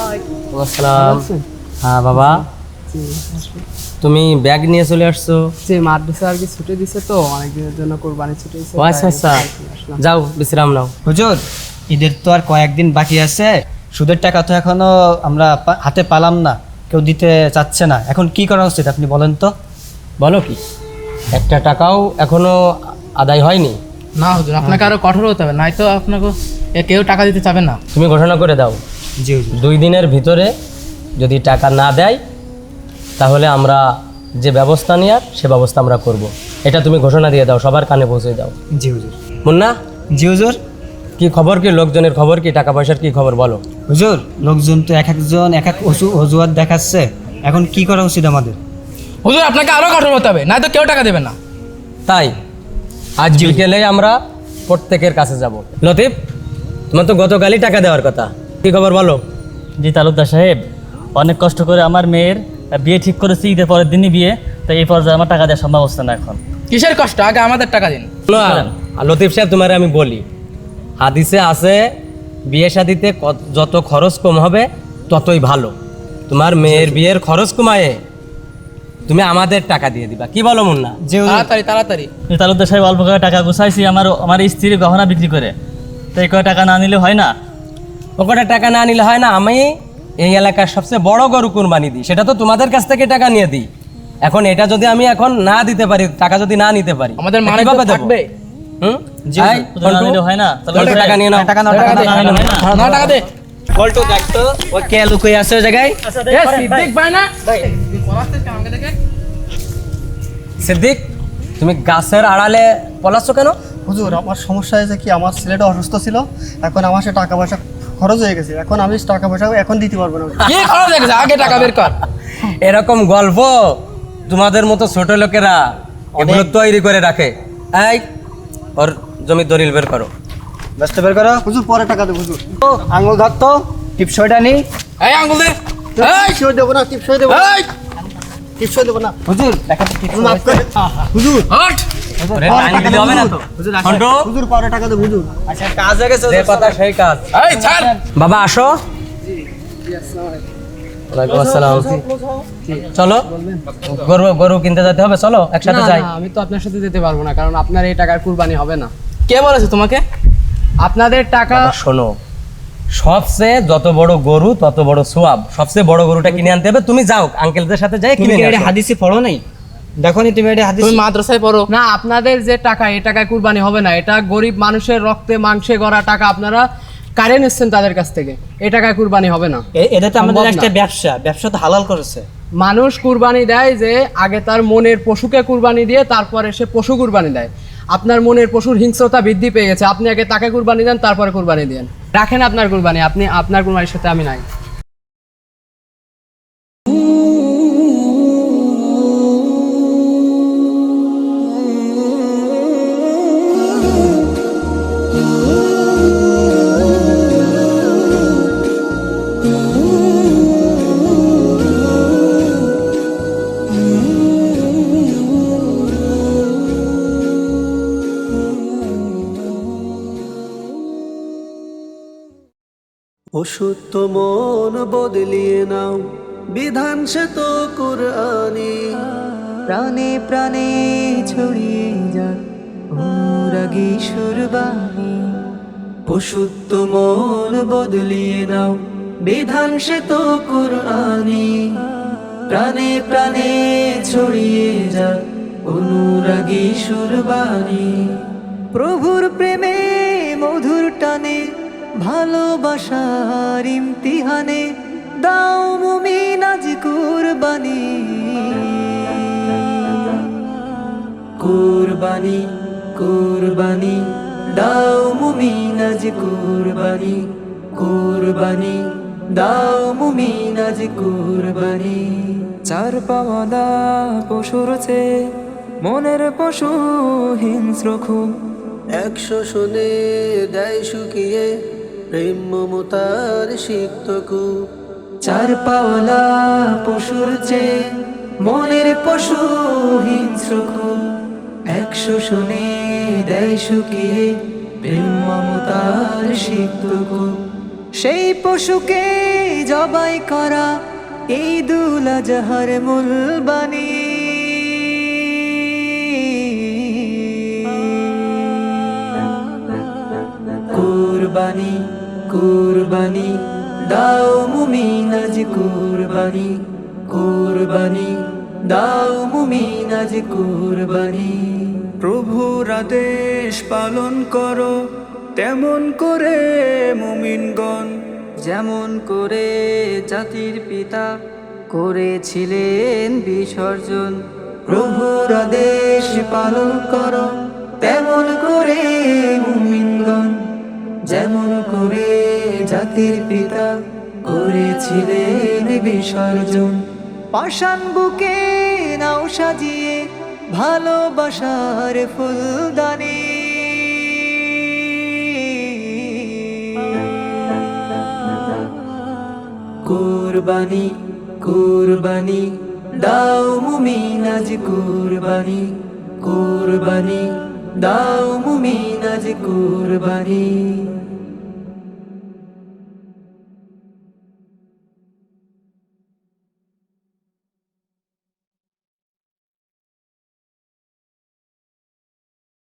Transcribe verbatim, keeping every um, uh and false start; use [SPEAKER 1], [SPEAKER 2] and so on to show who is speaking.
[SPEAKER 1] আসসালাম। হ্যাঁ বাবা, তুমি ব্যাগ নিয়ে চলে আসছো?
[SPEAKER 2] যে মাদ্রাসা আর কি ছুটি দিছে তো অনেক দিনের জন্য কুরবানি ছুটি দিছে।
[SPEAKER 1] ও আচ্ছা আচ্ছা, যাও বিশ্রাম নাও।
[SPEAKER 3] হুজুর, ঈদের তো আর কয়েকদিন বাকি আছে, সুদের টাকা তো এখনো আমরা পা- হাতে পালাম না, কেউ দিতে চাচ্ছে না। এখন কি করা উচিত আপনি বলেন তো?
[SPEAKER 1] বলো কি, একটা টাকাও এখনো আদায় হয়নি?
[SPEAKER 4] না হুজুর, আপনাকে আরো কঠোর হতে হবে, নাই তো আপনাকে এ কেউ টাকা দিতে চাবে না।
[SPEAKER 1] তুমি ঘোষণা করে দাও,
[SPEAKER 3] জি হুজুর।
[SPEAKER 1] দুই দিনের ভিতরে যদি টাকা না দেয় তাহলে আমরা যে ব্যবস্থা নেওয়ার সে ব্যবস্থা আমরা করব। এটা তুমি ঘোষণা দিয়ে দাও, সবার কানে পৌঁছে দাও।
[SPEAKER 3] জি হুজুর।
[SPEAKER 1] মুন্না,
[SPEAKER 3] জি হুজুর।
[SPEAKER 1] কি খবর, কি লোকজনের খবর, কি টাকা পয়সার কি খবর বলো?
[SPEAKER 3] হুজুর, লোকজন তো এক একজন এক এক অজু- অজুহাত দেখাচ্ছে, এখন কি করা উচিত আমাদের?
[SPEAKER 4] হুজুর, আপনাকে আরো কঠোর হতে হবে, নাই তো কেউ টাকা দেবে না।
[SPEAKER 1] তাই আজ বিকেলে আমরা প্রত্যেকের কাছে যাব। লতিফ, তোমার তো গতকালই টাকা দেওয়ার কথা, কি খবর বলো?
[SPEAKER 5] জি তালুকদার সাহেব, অনেক কষ্ট করে আমার মেয়ের বিয়ে ঠিক করেছি, ঈদের পরের দিনই বিয়ে, তো এই পর্যায়ে আমার টাকা দেওয়ার সম্ভব হচ্ছে না এখন।
[SPEAKER 4] কিসের কষ্ট, আগে আমাদের টাকা দিন।
[SPEAKER 1] না, লতিফ সাহেব, তোমার আমি বলি, হাদিসে আছে বিয়ে শাদিতে কত- যত খরচ কম হবে ততই ভালো। তোমার মেয়ের বিয়ের খরচ কমায়ে তুমি আমাদের টাকা দিয়ে দিবা, কি বলো মুন্না?
[SPEAKER 3] জি হুজুর।
[SPEAKER 4] তাড়াতাড়ি তাড়াতাড়ি।
[SPEAKER 5] এই তালুকদার সাহেব, অল্প করে টাকা গুছাইছি আমার আমার স্ত্রীর গহনা বিক্রি করে, তো এই কয় টাকা না নিলে হয় না।
[SPEAKER 1] ও কটা টাকা না নিলে হয় না? আমি এই এলাকার সবচেয়ে বড় গরু কুরবানি দিই, সেটা তো তোমাদের কাছ থেকে টাকা নিয়ে দিই। এখন এটা যদি আমি এখন না দিতে পারি, টাকা যদি না নিতে পারি,
[SPEAKER 4] আমাদের মানে
[SPEAKER 1] কিভাবে দেবো?
[SPEAKER 4] থাকবে।
[SPEAKER 1] হুম?
[SPEAKER 5] জি
[SPEAKER 1] এই,
[SPEAKER 5] শুধু না
[SPEAKER 1] ফন্টু,
[SPEAKER 5] নিলে হয় না।
[SPEAKER 1] ফন্টু, টাকা নিয়ে নাও।
[SPEAKER 3] টাকা নাও, টাকা নাও, টাকা নাও।
[SPEAKER 4] না টাকা দে।
[SPEAKER 3] বলতো দেখতো ও কে লুকিয়ে আছে ওই জায়গায়।
[SPEAKER 4] এ সিদ্দিক ভাই না ভাই, তুই পলাচ্ছিস কেন আমাকে দেখে?
[SPEAKER 1] সিদ্দিক, তুমি গাছের আড়ালে পলাচ্ছ কেন?
[SPEAKER 6] হুজুর, আমার সমস্যা হয়েছে কি, আমার ছেলেটা অসুস্থ ছিল, এখন আমার সে টাকা পয়সা খরচ হয়ে গেছে, এখন আমি টাকা পয়সা এখন দিতে পারবো না।
[SPEAKER 4] কি খরচ হয়ে গেছে, আগে টাকা বের কর।
[SPEAKER 1] এরকম গল্প তোমাদের মতো ছোট লোকেরা এগুলো তৈরি করে রাখে। এই, ওর জমি দলিল বের করো।
[SPEAKER 3] ব্যস্ত বের করো।
[SPEAKER 6] হুজুর, পরে টাকা দেবো হুজুর।
[SPEAKER 3] ও, আঙুল ধরতো, টিপসইটা নি।
[SPEAKER 4] এই আঙ্গুল দে। এই
[SPEAKER 6] টিপসই দেবো না, টিপসই দেবো না,
[SPEAKER 4] এই
[SPEAKER 6] টিপসই দেবো না।
[SPEAKER 3] হুজুর দেখেন তো টিপস।
[SPEAKER 6] মাফ করে হুজুর,
[SPEAKER 4] হট।
[SPEAKER 1] ওরে, টাইম দিলে হবে না তো। ফন্টু,
[SPEAKER 6] হুজুর পরে টাকা দেবো হুজুর।
[SPEAKER 3] আচ্ছা, কাজ হয়ে গেছে।
[SPEAKER 1] যে কথা সেই কাজ।
[SPEAKER 4] এই ছাড়।
[SPEAKER 1] বাবা আসো। ওয়ালাইকুম আসসালাম। চলো, গরু গরু কিনতে যেতে হবে, চলো একসাথে
[SPEAKER 2] না,
[SPEAKER 1] যাই।
[SPEAKER 2] না, আমি তো আপনার সাথে যেতে পারবো না, কারণ আপনার এই টাকার কুরবানি হবে না।
[SPEAKER 4] কে বলেছে তোমাকে?
[SPEAKER 2] আপনাদের টাকা
[SPEAKER 1] বাবা, শোনো, সবচেয়ে যত বড় গরু তত বড় সোয়াব, সবচেয়ে বড় গরুটা কিনে আনতে হবে। তুমি যাও, আঙ্কেলদের সাথে যাই
[SPEAKER 3] তুমি
[SPEAKER 1] কিনে
[SPEAKER 3] কি
[SPEAKER 1] নিয়ে
[SPEAKER 3] এটা
[SPEAKER 1] আসো।
[SPEAKER 3] হাদিসে পড়ো নাই? দেখো নি তুমি এটা হাদিস?
[SPEAKER 4] তুমি মাদ্রাসায় পড়ো।
[SPEAKER 2] না, আপনাদের যে টাকা, এই টাকায় কুরবানি হবে না। এটা গরিব মানুষের রক্তে মাংসে গড়া টাকা, আপনারা কারে নিচ্ছেন তাদের কাছ থেকে, এই টাকায় কুরবানি হবে না।
[SPEAKER 3] এ- এটা তো আমাদের
[SPEAKER 2] সম্ভব না।
[SPEAKER 3] একটা ব্যবসা, ব্যবসা তো হালাল করেছে।
[SPEAKER 2] মানুষ কুরবানি দেয় যে আগে তার মনের পশুকে কুরবানি দিয়ে তারপরে সে পশু কুরবানি দেয়। আপনার মনের পশুর হিংস্রতা বৃদ্ধি পেয়ে গেছে, আপনি আগে তাকে কুরবানি দেন, তারপরে কুরবানি দেন। রাখেন আপনার কুরবানি, আপনি আপনার কুরবানির সাথে আমি নাই।
[SPEAKER 7] অসুস্থ মন বদলিয়ে নাও, বিধান সে তো কুরআনি। প্রাণে প্রাণে ছড়িয়ে যাক অনুরাগী সুরবাণী। অসুস্থ মন বদলিয়ে নাও, বিধান সে তো কুরআনি। প্রাণে প্রাণে ছড়িয়ে যাক অনুরাগী সুরবাণী। প্রভুর প্রেমে মধুর টানে, ভালোবাসার ইমতিহানে দাও মুমিন আজ কুরবানি। কুরবানি কুরবানি দাও মুমিন আজ কুরবানি। কুরবানি দাও মুমিন আজ কুরবানি। চার পাওয়ালা পশুর চেয়ে মনের পশু হিংস্র খুব, একশো শুনে দেয় শুকিয়ে প্রেম মমতার সিক্ত কূপ। চার পাওয়ালা পশুর চেয়ে মনের পশু হিংস্র খুব, একশো শুনে দেয় শুকিয়ে প্রেম মমতার সিক্ত কূপ। সেই পশুকে জবাই করা এই দুল আজহার মূল বাণী। কুরবানি কুরবানি দাও মুমিন আজ কুরবানি, কুরবানি দাও মুমিন আজ কুরবানি।
[SPEAKER 8] প্রভুর আদেশ পালন করো তেমন করে মুমিনগণ,
[SPEAKER 7] যেমন করে জাতির পিতা করেছিলেন বিসর্জন। প্রভুর আদেশ পালন করো তেমন করে মুমিনগণ, যেমন করে জাতির পিতা করেছিলেন বিসর্জন। পাষাণ বুকে নাও সাজিয়ে ভালোবাসার ফুলদানি। কুরবানি কুরবানি দাও মুমিন আজ কুরবানি, কুরবানি দাও মুমিন আজ কুরবানি।